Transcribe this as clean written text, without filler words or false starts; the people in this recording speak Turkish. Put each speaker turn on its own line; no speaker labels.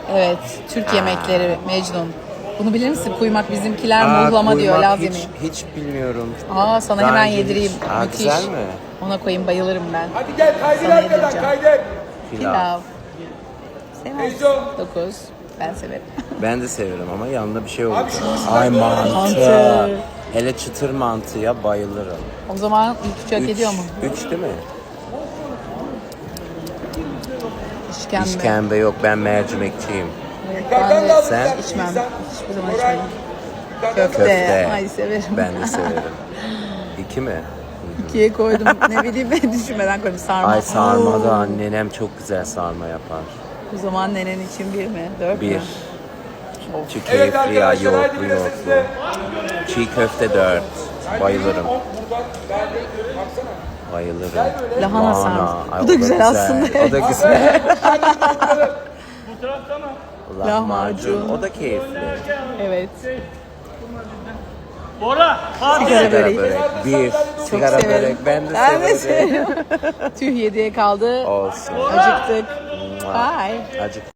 Evet, Türk yemekleri Mecnun. Bunu bilir misin? Kuymak bizimkiler muhlama diyor,
kuymak
Laz yemeği.
hiç bilmiyorum.
Sana
Daha
hemen
önce
yedireyim.
hiç-
Müthiş.
Güzel mi?
Ona koyayım, bayılırım ben.
Hadi gel kaydır
Sana
arkadan
yedireceğim.
kaydır.
Pilav. Sevmez. 9. Ben severim.
Ben de severim ama yanında bir şey oldu.
Abi şu
Ay
mantı.
mantı. Hele çıtır mantıya bayılırım.
O zaman ilk üç hak ediyor mu?
3 değil mi?
İşkembe.
İşkembe yok, ben mercimekçiyim.
Ben de
da
Sen?
alacaksın
içmem.
insan.
Hiçbir zaman
Koray.
içmedim.
Yukarıdan da
Köfte. Ay severim.
Ben de severim. 2 mi?
2'ye koydum. Ne bileyim, ben düşünmeden koydum. Sarma.
Ay sarma da
Oo.
nenem çok güzel sarma yapar.
O zaman nenen için 1 mi? 4
Bir.
mü?
Çiğ
Evet
keyifli ya,
arkadaşlar, hadi
yoğurtlu
bir de
yoğurtlu.
size.
Çiğ köfte 4. Bayılırım.
Buradan daha bir baksana.
Bayılırım.
Lahana sarması.
Ay,
Bu da
o
güzel aslında.
O da güzel.
Bu tarafta mı?
Lahmacun. O da keyifli.
Evet.
Bora. Hadi.
Sigara
Sigara
böreği.
börek. Bir.
Çok
Sigara
severim.
börek. Ben de
Ben de
severim.
severim. Tüh, 7'ye kaldı.
Olsun.
Acıktık. Bye.
Acık.